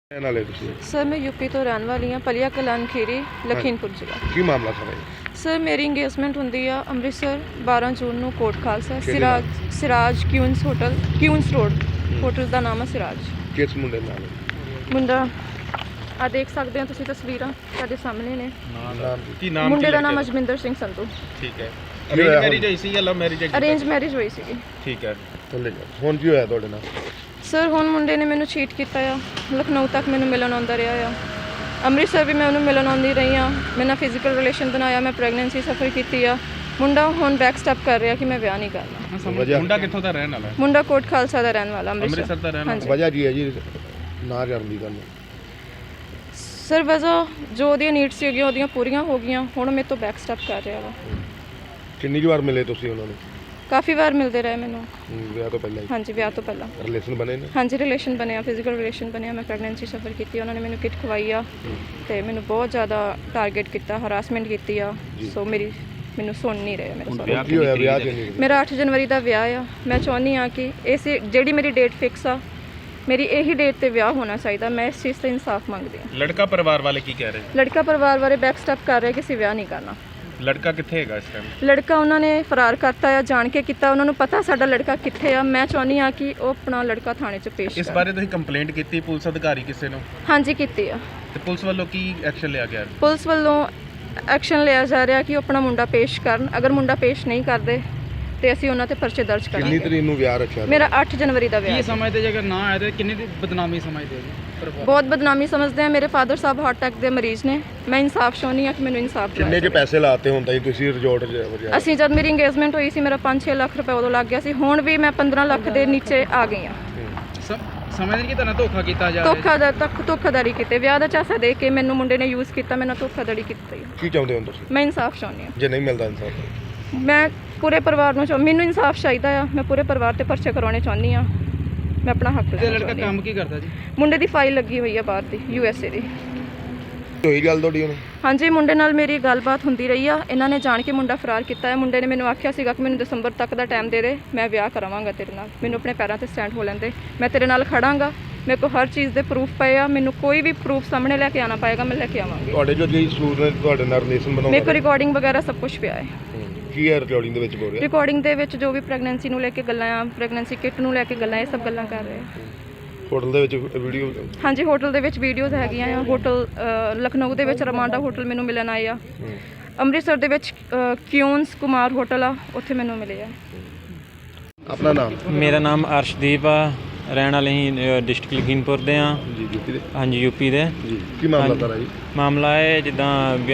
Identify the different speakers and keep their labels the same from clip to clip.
Speaker 1: ਨਾਲੇ ਤੁਸੀਂ
Speaker 2: ਸਰ ਮੈਂ ਯੂਪੀ ਤੋਂ ਰਹਿਣ ਵਾਲੀ ਹਾਂ, ਪਲੀਆ ਕਲਾਨ ਖੀਰੀ, ਲਖੀਮਪੁਰ ਜ਼ਿਲ੍ਹਾ।
Speaker 1: ਕੀ ਮਾਮਲਾ ਸਾਰਾ ਇਹ?
Speaker 2: ਸਰ ਮੇਰੀ ਇੰਗੇਜਮੈਂਟ ਹੁੰਦੀ ਆ ਅੰਮ੍ਰਿਤਸਰ 12 ਜੂਨ ਨੂੰ ਕੋਟ ਖਾਲਸਾ
Speaker 1: ਕਿਹੜੇ
Speaker 2: Siraj Queens hotel, Queens road hotel ਦਾ ਨਾਮ ਹੈ ਸਿਰਾਜ।
Speaker 1: ਕਿਸ ਮੁੰਡੇ ਨਾਲ?
Speaker 2: ਮੁੰਡਾ ਆ ਦੇਖ ਸਕਦੇ ਹੋ ਤੁਸੀਂ ਤਸਵੀਰਾਂ ਤੁਹਾਡੇ ਸਾਹਮਣੇ ਨੇ।
Speaker 3: ਕੀ ਨਾਮ?
Speaker 2: ਮੁੰਡੇ ਦਾ ਨਾਮ ਅਜਮਿੰਦਰ ਸਿੰਘ ਸੰਧੂ।
Speaker 3: ਠੀਕ ਹੈ। ਅਰੇਂਜ ਮੈਰਿਜ ਹੋਈ ਸੀ ਜਾਂ ਲਵ ਮੈਰਿਜ?
Speaker 2: ਅਰੇਂਜ ਮੈਰਿਜ ਹੋਈ ਸੀਗੀ।
Speaker 3: ਠੀਕ ਹੈ।
Speaker 1: ਹੁਣ ਕੀ ਹੋਇਆ ਤੁਹਾਡੇ ਨਾਲ?
Speaker 2: ਸਰ ਹੁਣ ਮੁੰਡੇ ਨੇ ਮੈਨੂੰ ਚੀਟ ਕੀਤਾ ਆ, ਲਖਨਊ ਤੱਕ ਮੈਨੂੰ ਮਿਲਣ ਆਉਂਦਾ ਰਿਹਾ ਆ, ਅੰਮ੍ਰਿਤਸਰ ਵੀ ਮੈਂ ਉਹਨੂੰ ਮਿਲਣ ਆਉਂਦੀ ਰਹੀ ਹਾਂ, ਮੇਰੇ ਨਾਲ ਫਿਜ਼ੀਕਲ ਰਿਲੇਸ਼ਨ ਬਣਾਇਆ, ਮੈਂ ਪ੍ਰੈਗਨੈਂਸੀ ਸਫਰ ਕੀਤੀ ਆ। ਮੁੰਡਾ ਹੁਣ ਬੈਕ ਸਟੈਪ ਕਰ ਰਿਹਾ ਕਿ ਮੈਂ ਵਿਆਹ ਨਹੀਂ ਕਰਨਾ।
Speaker 3: ਮੁੰਡਾ ਕਿੱਥੋਂ ਦਾ ਰਹਿਣ ਵਾਲਾ?
Speaker 2: ਮੁੰਡਾ ਕੋਟ ਖਾਲਸਾ ਦਾ ਰਹਿਣ ਵਾਲਾ,
Speaker 3: ਅੰਮ੍ਰਿਤਸਰ ਦਾ ਰਹਿਣ ਵਾਲਾ।
Speaker 1: ਵਜ੍ਹਾ ਕੀ ਹੈ ਜੀ ਨਾ ਕਰਨ ਦੀ ਗੱਲ?
Speaker 2: ਸਰ ਵਜ੍ਹਾ ਜੋ ਉਹਦੀਆਂ ਨੀਡਸ ਸੀਗੀਆਂ ਉਹਦੀਆਂ ਪੂਰੀਆਂ ਹੋ ਗਈਆਂ, ਹੁਣ ਮੇਰੇ ਤੋਂ ਬੈਕ ਸਟੈਪ ਕਰ ਰਿਹਾ ਵਾ।
Speaker 1: ਕਿੰਨੀ ਕੁ ਵਾਰ ਮਿਲੇ ਤੁਸੀਂ ਉਹਨਾਂ ਨੂੰ?
Speaker 2: ਕਾਫੀ ਵਾਰ ਮਿਲਦੇ ਰਹੇ ਮੈਨੂੰ।
Speaker 1: ਵਿਆਹ ਤੋਂ ਪਹਿਲਾਂ ਹੀ?
Speaker 2: ਹਾਂਜੀ ਵਿਆਹ ਤੋਂ ਪਹਿਲਾਂ
Speaker 1: ਰਿਲੇਸ਼ਨ ਬਣੇ ਨੇ? ਹਾਂਜੀ
Speaker 2: ਰਿਲੇਸ਼ਨ ਬਣਿਆ, ਫਿਜ਼ੀਕਲ ਰਿਲੇਸ਼ਨ ਬਣਿਆ, ਮੈਂ ਪ੍ਰੈਗਨੈਂਸੀ ਸਫਰ ਕੀਤੀ, ਉਹਨਾਂ ਨੇ ਮੈਨੂੰ ਕਿਟ ਖਵਾਈ ਆ ਤੇ ਮੈਨੂੰ ਬਹੁਤ ਜ਼ਿਆਦਾ ਟਾਰਗੇਟ ਕੀਤਾ, ਹਰਾਸਮੈਂਟ ਕੀਤੀ ਆ। ਸੋ ਮੈਨੂੰ ਸੁਣ ਨਹੀਂ ਰਿਹਾ ਮੇਰੇ ਸਾਰੇ।
Speaker 1: ਕੀ ਹੋਇਆ ਵਿਆਹ ਤੇ ਨਹੀਂ?
Speaker 2: ਮੇਰਾ 8 ਜਨਵਰੀ ਦਾ ਵਿਆਹ ਆ। ਮੈਂ ਚਾਹੁੰਦੀ ਆ ਕਿ ਇਸ ਜਿਹੜੀ ਮੇਰੀ ਡੇਟ ਫਿਕਸ ਆ, ਮੇਰੀ ਇਹੀ ਡੇਟ ਤੇ ਵਿਆਹ ਹੋਣਾ ਚਾਹੀਦਾ। ਮੈਂ ਇਸ ਚੀਜ਼ ਤੇ ਇਨਸਾਫ ਮੰਗਦੀ ਹਾਂ।
Speaker 3: ਲੜਕਾ ਪਰਿਵਾਰ ਵਾਲੇ ਕੀ ਕਹਿ ਰਹੇ?
Speaker 2: ਲੜਕਾ ਪਰਿਵਾਰ ਵਾਲੇ ਬੈਕ ਸਟੈਪ ਕਰ ਰਹੇ ਕਿ ਅਸੀਂ ਵਿਆਹ ਨਹੀਂ ਕਰਨਾ।
Speaker 3: ਲੜਕਾ ਕਿੱਥੇ ਹੈਗਾ ਇਸ ਟਾਈਮ?
Speaker 2: ਲੜਕਾ ਉਹਨਾਂ ਨੇ ਫਰਾਰ ਕਰਤਾ ਆ, ਜਾਣ ਕੇ ਕੀਤਾ। ਉਹਨਾਂ ਨੂੰ ਪਤਾ ਸਾਡਾ ਲੜਕਾ ਕਿੱਥੇ ਆ। ਮੈਂ ਚਾਹੁੰਦੀ ਆ ਕਿ ਉਹ ਆਪਣਾ ਲੜਕਾ ਥਾਣੇ 'ਚ ਪੇਸ਼
Speaker 3: ਇਸ ਬਾਰੇ ਤੁਸੀਂ ਕੰਪਲੇਂਟ ਕੀਤੀ ਪੁਲਿਸ ਅਧਿਕਾਰੀ ਕਿਸੇ ਨੂੰ?
Speaker 2: ਹਾਂਜੀ ਕੀਤੀ ਆ।
Speaker 3: ਤੇ ਪੁਲਿਸ ਵੱਲੋਂ ਕੀ ਐਕਸ਼ਨ ਲਿਆ ਗਿਆ?
Speaker 2: ਪੁਲਿਸ ਵੱਲੋਂ ਐਕਸ਼ਨ ਲਿਆ ਜਾ ਰਿਹਾ ਕਿ ਉਹ ਆਪਣਾ ਮੁੰਡਾ ਪੇਸ਼ ਕਰਨ। ਅਗਰ ਮੁੰਡਾ ਪੇਸ਼ ਨਹੀਂ ਕਰਦੇ ਤੇ ਅਸੀਂ ਉਹਨਾਂ ਤੇ ਪਰਚੇ ਦਰਜ
Speaker 1: ਕਿੰਨੀ
Speaker 2: ਕਰਾਂਗੇ।
Speaker 1: ਤਰੀਕ ਨੂੰ ਵਿਆਹ ਰੱਖਿਆ?
Speaker 2: ਮੇਰਾ 8 ਜਨਵਰੀ ਦਾ ਵਿਆਹ।
Speaker 4: ਕੀ ਸਮਝਦੇ ਜੇ ਅਗਰ ਨਾ ਆਏ ਤਾਂ ਕਿੰਨੀ ਦੀ ਬਦਨਾਮੀ ਸਮਝਦੇ ਹੋ?
Speaker 2: ਬਹੁਤ ਬਦਨਾਮੀ ਸਮਝਦੇ ਆ। ਮੇਰੇ ਫਾਦਰ ਸਾਹਿਬ ਹਾਰਟ ਅਟੈਕ ਦੇ ਮਰੀਜ਼ ਨੇ। ਮੈਂ ਇਨਸਾਫ ਚਾਹੁੰਦੀ ਆ ਕਿ ਮੈਨੂੰ ਇਨਸਾਫ
Speaker 1: ਕਿੰਨੇ
Speaker 2: ਦਿਵਾਇਆ
Speaker 1: ਕੇ ਪੈਸੇ ਲਾਤੇ ਹੁੰਦਾ ਜੀ ਤੁਸੀਂ ਰਿਜ਼ੋਰਟ 'ਚ?
Speaker 2: ਅਸੀਂ ਜਦ ਮੇਰੀ ਇੰਗੇਜਮੈਂਟ ਹੋਈ ਸੀ ਮੇਰਾ 5-6 ਲੱਖ ਰੁਪਏ ਉਦੋਂ ਲੱਗ ਗਿਆ ਸੀ। ਹੁਣ ਵੀ ਮੈਂ 15 ਲੱਖ ਦੇ ਨੀਚੇ ਆ ਗਈ ਆ।
Speaker 4: ਸਮਝਦੇ ਕਿ ਤੁਹਾਨੂੰ ਧੋਖਾ ਕੀਤਾ ਜਾ ਰਿਹਾ?
Speaker 2: ਧੋਖਾਧੜੀ ਕੀਤੇ, ਵਿਆਹ ਦਾ ਝਾਂਸਾ ਦੇ ਕੇ ਮੈਨੂੰ ਮੁੰਡੇ ਨੇ ਯੂਜ਼ ਕੀਤਾ, ਮੈਨੂੰ ਧੋਖਾਧੜੀ ਕੀਤੀ।
Speaker 1: ਕੀ ਚਾਹੁੰਦੇ ਹੋ ਤੁਸੀਂ?
Speaker 2: ਮੈਂ ਇਨਸਾਫ ਚਾਹੁੰਦੀ ਆ।
Speaker 1: ਜੇ ਨਹੀਂ ਮਿਲਦਾ ਇਨਸਾਫ?
Speaker 2: ਮੈਂ ਪੂਰੇ ਪਰਿਵਾਰ ਨੂੰ ਮੈਨੂੰ ਇਨਸਾਫ ਚਾਹੀਦਾ ਆ। ਮੈਂ ਪੂਰੇ ਪਰਿਵਾਰ ਤੇ ਪਰਚੇ ਕਰਵਾਉਣੇ ਚਾਹੁੰਦੀ ਆ। ਮੈਂ ਆਪਣਾ ਹੱਕ
Speaker 4: ਤੇ ਲੜਕਾ ਕੰਮ ਕੀ ਕਰਦਾ ਜੀ?
Speaker 2: ਮੁੰਡੇ ਦੀ ਫਾਈਲ ਲੱਗੀ ਹੋਈ ਆ ਬਾਹਰ ਦੀ, USA ਦੀ।
Speaker 1: ਹੋਈ ਗੱਲ ਤੁਹਾਡੀ ਹੁਣ?
Speaker 2: ਹਾਂਜੀ ਮੁੰਡੇ ਨਾਲ ਮੇਰੀ ਗੱਲਬਾਤ ਹੁੰਦੀ ਰਹੀ ਆ। ਇਹਨਾਂ ਨੇ ਜਾਣ ਕੇ ਮੁੰਡਾ ਫਰਾਰ ਕੀਤਾ ਹੈ। ਮੁੰਡੇ ਨੇ ਮੈਨੂੰ ਆਖਿਆ ਸੀਗਾ ਕਿ ਮੈਨੂੰ ਦਸੰਬਰ ਤੱਕ ਦਾ ਟਾਈਮ ਦੇ ਦੇ, ਮੈਂ ਵਿਆਹ ਕਰਾਵਾਂਗਾ ਤੇਰੇ ਨਾਲ, ਮੈਨੂੰ ਆਪਣੇ ਪੈਰਾਂ ਤੇ ਸਟੈਂਡ ਹੋ ਲੈਂਦੇ, ਮੈਂ ਤੇਰੇ ਨਾਲ ਖੜਾਂਗਾ, ਮੇਰੇ ਕੋਲ ਹਰ ਚੀਜ਼ ਦੇ ਪ੍ਰੂਫ ਪਏ ਆ, ਮੈਨੂੰ ਕੋਈ ਵੀ ਪ੍ਰੂਫ ਸਾਹਮਣੇ ਲੈ ਕੇ ਆਉਣਾ ਪਏਗਾ, ਮੈਂ ਲੈ ਕੇ ਆਵਾਂਗੀ।
Speaker 1: ਤੁਹਾਡੇ ਜੋ ਜੀ ਸੂਰ ਨੇ ਤੁਹਾਡੇ ਨਾਲ ਰਿਲੇਸ਼ਨ ਬਣਾਉਣਾ?
Speaker 2: ਮੇਰੇ ਕੋਲ ਰਿਕਾਰਡਿੰਗ ਵਗੈਰਾ ਸਭ ਕੁਝ ਪਿਆ ਹੈ।
Speaker 1: ਕੀ ਹੈ ਰਿਕਾਰਡਿੰਗ ਦੇ ਵਿੱਚ ਬੋਲ ਰਿਹਾ?
Speaker 2: ਰਿਕਾਰਡਿੰਗ ਦੇ ਵਿੱਚ ਜੋ ਵੀ ਪ੍ਰੈਗਨੈਂਸੀ ਨੂੰ ਲੈ ਕੇ ਗੱਲਾਂ ਆ, ਪ੍ਰੈਗਨੈਂਸੀ ਕਿਟ ਨੂੰ ਲੈ ਕੇ ਗੱਲਾਂ, ਇਹ ਸਭ ਗੱਲਾਂ ਕਰ ਰਹੇ ਆ।
Speaker 1: ਹੋਟਲ ਦੇ ਵਿੱਚ ਵੀਡੀਓ?
Speaker 2: ਹਾਂਜੀ ਹੋਟਲ ਦੇ ਵਿੱਚ ਵੀਡੀਓਜ਼ ਹੈਗੀਆਂ ਆ। ਹੋਟਲ ਲਖਨਊ ਦੇ ਵਿੱਚ ਰਮਾਂਡਾ ਹੋਟਲ ਮੈਨੂੰ ਮਿਲਣ ਆਏ ਆ। ਅੰਮ੍ਰਿਤਸਰ ਦੇ ਵਿੱਚ ਕਿਊਨਸ ਕੁਮਾਰ ਹੋਟਲ ਆ, ਉੱਥੇ ਮੈਨੂੰ ਮਿਲੇ ਆ।
Speaker 1: ਆਪਣਾ ਨਾਮ?
Speaker 5: ਮੇਰਾ ਨਾਮ ਅਰਸ਼ਦੀਪ ਆ, ਰਹਿਣ ਵਾਲੇ ਹੀ ਡਿਸਟ੍ਰਿਕਟ ਲਖੀਮਪੁਰ ਦੇ ਆ।
Speaker 1: ਜੀ ਯੂਪੀ ਦੇ?
Speaker 5: ਹਾਂਜੀ ਯੂਪੀ ਦੇ।
Speaker 1: ਜੀ ਕੀ ਮਾਮਲਾ ਤਾਰਾ ਜੀ?
Speaker 5: ਮਾਮਲਾ ਹੈ ਜਿੱਦਾਂ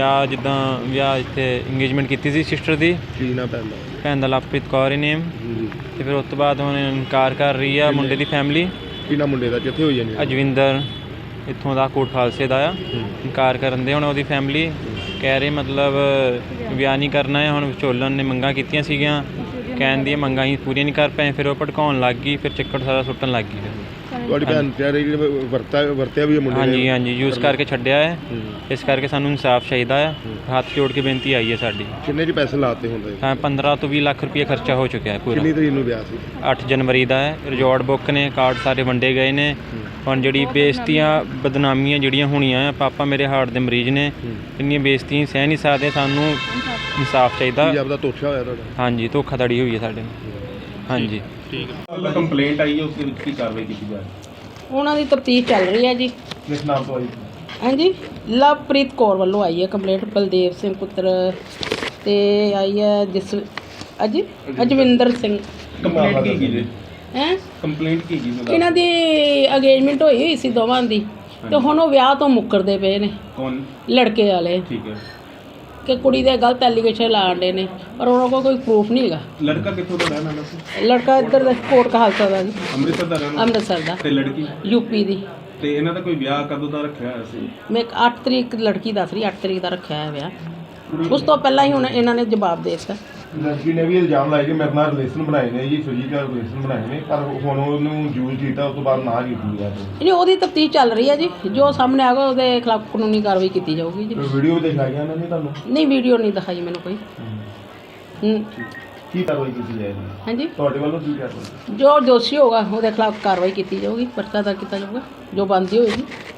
Speaker 5: ਵਿਆਹ ਇੱਥੇ ਇੰਗੇਜਮੈਂਟ ਕੀਤੀ ਸੀ ਸਿਸਟਰ ਦੀ।
Speaker 1: ਕੀ ਨਾ ਪੈਂਦਾ?
Speaker 5: ਭੈਣ ਦਾ ਲਵਪ੍ਰੀਤ ਕੌਰ ਹੀ ਨੇਮ।
Speaker 1: ਜੀ
Speaker 5: ਤੇ ਫਿਰ ਉਸ ਤੋਂ ਬਾਅਦ ਹੁਣ ਇਨਕਾਰ ਕਰ ਰਹੀ ਆ ਮੁੰਡੇ ਦੀ ਫੈਮਿਲੀ।
Speaker 1: ਕੀ ਨਾ ਮੁੰਡੇ ਦਾ ਕਿੱਥੇ ਹੋਈ ਜਾਂਦੀ?
Speaker 5: ਅਜਵਿੰਦਰ ਇੱਥੋਂ ਦਾ ਕੋਟ ਖਾਲਸੇ ਦਾ ਆ। ਇਨਕਾਰ ਕਰਨ ਦੇ ਹੁਣ ਉਹਦੀ ਫੈਮਿਲੀ ਕਹਿ ਰਹੀ ਮਤਲਬ ਵਿਆਹ ਨਹੀਂ ਕਰਨਾ ਹੈ। ਹੁਣ ਵਿਚੋਲਨ ਨੇ ਮੰਗਾਂ ਕੀਤੀਆਂ ਸੀਗੀਆਂ, ਕਹਿਣ ਦੀਆਂ ਮੰਗਾਂ ਹੀ ਪੂਰੀਆਂ ਨਹੀਂ ਕਰ ਪਏ, ਫਿਰ ਉਹ ਭੜਕਾਉਣ ਲੱਗ ਗਈ, ਫਿਰ ਚੱਕਰ ਸਾਰਾ ਸੁੱਟਣ ਲੱਗ ਗਈ।
Speaker 1: ਤੁਹਾਡੀ ਭੈਣ ਕਹਿ ਰਹੀ ਵਰਤਿਆ ਵੀ ਮੁੰਡੇ ਨੇ?
Speaker 5: ਹਾਂਜੀ ਯੂਜ਼ ਕਰਕੇ ਛੱਡਿਆ ਹੈ। ਇਸ ਕਰਕੇ ਸਾਨੂੰ ਇਨਸਾਫ ਚਾਹੀਦਾ ਆ। ਹੱਥ ਜੋੜ ਕੇ ਬੇਨਤੀ ਆਈ ਹੈ ਸਾਡੀ।
Speaker 1: ਕਿੰਨੇ ਜੀ ਪੈਸੇ ਲਾਤੇ ਹੁੰਦੇ?
Speaker 5: 15 ਤੋਂ 20 ਲੱਖ ਰੁਪਏ ਖਰਚਾ ਹੋ ਚੁੱਕਿਆ ਹੈ ਪੂਰਾ।
Speaker 1: ਕਿੰਨੀ ਤਰੀਕ ਨੂੰ ਵਿਆਹ ਸੀ?
Speaker 5: 8 ਜਨਵਰੀ ਦਾ ਹੈ। ਰਿਜ਼ੋਰਟ ਬੁੱਕ ਨੇ, ਕਾਰਡ ਸਾਰੇ ਵੰਡੇ ਗਏ ਨੇ। ਹੁਣ ਜਿਹੜੀ ਬੇਇੱਜ਼ਤੀਆਂ ਬਦਨਾਮੀਆਂ ਜਿਹੜੀਆਂ ਹੋਣੀਆਂ ਆ, ਪਾਪਾ ਮੇਰੇ ਹਾਰਟ ਦੇ ਮਰੀਜ਼ ਨੇ, ਇੰਨੀਆਂ ਬੇਇੱਜ਼ਤੀਆਂ ਸਹਿ ਨਹੀਂ ਸਕਦੇ। ਸਾਨੂੰ ਇਨਸਾਫ ਚਾਹੀਦਾ।
Speaker 1: ਪੰਜਾਬ ਦਾ ਧੋਖਾ ਹੋਇਆ ਤੁਹਾਡਾ?
Speaker 5: ਹਾਂਜੀ ਧੋਖਾਧੜੀ ਹੋਈ ਹੈ ਸਾਡੇ ਨਾਲ। ਹਾਂਜੀ
Speaker 3: ਠੀਕ ਹੈ। ਕੰਪਲੇਂਟ ਆਈ ਹੈ, ਉਸ ਦੇ ਵਿੱਚ ਕੀ ਕਾਰਵਾਈ ਕੀਤੀ ਜਾ ਰਹੀ ਹੈ?
Speaker 6: ਉਹਨਾਂ ਦੀ ਤਫਤੀਸ਼ ਚੱਲ ਰਹੀ ਹੈ ਜੀ।
Speaker 1: ਕਿਸ ਨਾਮ ਤੋਂ ਆਈ?
Speaker 6: ਹਾਂਜੀ ਲਵਪ੍ਰੀਤ ਕੌਰ ਵੱਲੋਂ ਆਈ ਹੈ ਕੰਪਲੇਂਟ। ਬਲਦੇਵ ਸਿੰਘ ਪੁੱਤਰ ਤੇ ਆਈ ਹੈ ਅਜਵਿੰਦਰ ਸਿੰਘ।
Speaker 3: ਕੰਪਲੇਂਟ ਕੀ ਜੀ?
Speaker 6: ਹੈ
Speaker 3: ਕੰਪਲੇਂਟ ਕੀ ਜੀ?
Speaker 6: ਇਹਨਾਂ ਦੀ ਅਗੇਜਮੈਂਟ ਹੋਈ ਸੀ ਦੋਵਾਂ ਦੀ, ਤੇ ਹੁਣ ਉਹ ਵਿਆਹ ਤੋਂ ਮੁੱਕਰਦੇ ਪਏ ਨੇ
Speaker 3: ਕੌਣ?
Speaker 6: ਲੜਕੇ ਵਾਲੇ,
Speaker 3: ਠੀਕ ਹੈ।
Speaker 6: ਕਿ ਕੁੜੀ ਦੇ ਗਲਤ ਐਲੀਗੇਸ਼ਨ ਲਾਉਂਦੇ ਨੇ, ਪਰ ਉਹਨਾਂ ਕੋਲ ਕੋਈ ਪ੍ਰੂਫ ਨਹੀਂ ਹੈਗਾ।
Speaker 3: ਲੜਕਾ ਕਿੱਥੋਂ ਦਾ ਰਹਿਣ ਵਾਲਾ ਸੀ?
Speaker 6: ਲੜਕਾ ਇੱਧਰ ਦਾ ਕੋਟ ਖਾਲਸਾ ਦਾ ਜੀ,
Speaker 3: ਅੰਮ੍ਰਿਤਸਰ ਦਾ ਰਹਿਣ ਵਾਲਾ?
Speaker 6: ਅੰਮ੍ਰਿਤਸਰ ਦਾ।
Speaker 3: ਤੇ ਲੜਕੀ?
Speaker 6: ਯੂਪੀ ਦੀ।
Speaker 3: ਤੇ ਇਹਨਾਂ ਦਾ ਕੋਈ ਵਿਆਹ ਕਦੋਂ ਦਾ ਰੱਖਿਆ ਹੋਇਆ ਸੀ?
Speaker 6: ਮੈਂ 8 ਤਰੀਕ ਲੜਕੀ ਦੱਸ ਰਹੀ, 8 ਤਰੀਕ ਦਾ ਰੱਖਿਆ ਹੈ ਵਿਆਹ। ਉਸ ਤੋਂ ਪਹਿਲਾਂ ਹੀ ਹੁਣ ਇਹਨਾਂ ਨੇ ਜਵਾਬ ਦੇ ਦਿੱਤਾ।
Speaker 1: ਲੜਕੀ ਨੇ ਵੀ ਇਲਜ਼ਾਮ ਲਾਇਆ ਕਿ ਮੇਰੇ ਨਾਲ ਰਿਲੇਸ਼ਨ ਬਣਾਏ ਨੇ ਜੀ, ਫਿਜ਼ੀਕਲ ਰਿਲੇਸ਼ਨ ਬਣਾਏ ਨੇ, ਪਰ ਹੁਣ ਉਹਨੂੰ ਯੂਜ਼ ਕੀਤਾ, ਉਸ ਤੋਂ ਬਾਅਦ ਨਾ ਕੀਤੀ ਗਿਆ।
Speaker 6: ਨਹੀਂ ਉਹਦੀ ਤਫਤੀਸ਼ ਚੱਲ ਰਹੀ ਹੈ ਜੀ, ਜੋ ਸਾਹਮਣੇ ਆਗਾ ਉਹਦੇ ਖਿਲਾਫ ਕਾਨੂੰਨੀ ਕਾਰਵਾਈ ਕੀਤੀ ਜਾਊਗੀ ਜੀ।
Speaker 1: ਵੀਡੀਓ ਵੀ ਦਿਖਾਈਆਂ ਇਹਨਾਂ ਨੇ ਤੁਹਾਨੂੰ?
Speaker 6: ਨਹੀਂ ਵੀਡੀਓ ਨਹੀਂ ਦਿਖਾਈ ਮੈਨੂੰ ਕੋਈ।
Speaker 1: ਕੀ ਕਾਰਵਾਈ ਕੀਤੀ ਜਾਏਗੀ
Speaker 6: ਹਾਂਜੀ
Speaker 1: ਤੁਹਾਡੇ ਵੱਲੋਂ? ਕੀ ਕਾਰਵਾਈ?
Speaker 6: ਜੋ ਦੋਸ਼ੀ ਹੋਗਾ ਉਹਦੇ ਖਿਲਾਫ ਕਾਰਵਾਈ ਕੀਤੀ ਜਾਊਗੀ, ਪਰਚਾ ਦਰਜ ਕੀਤਾ ਜਾਊਗਾ, ਜੋ ਬਣਦੀ ਹੋਏਗੀ।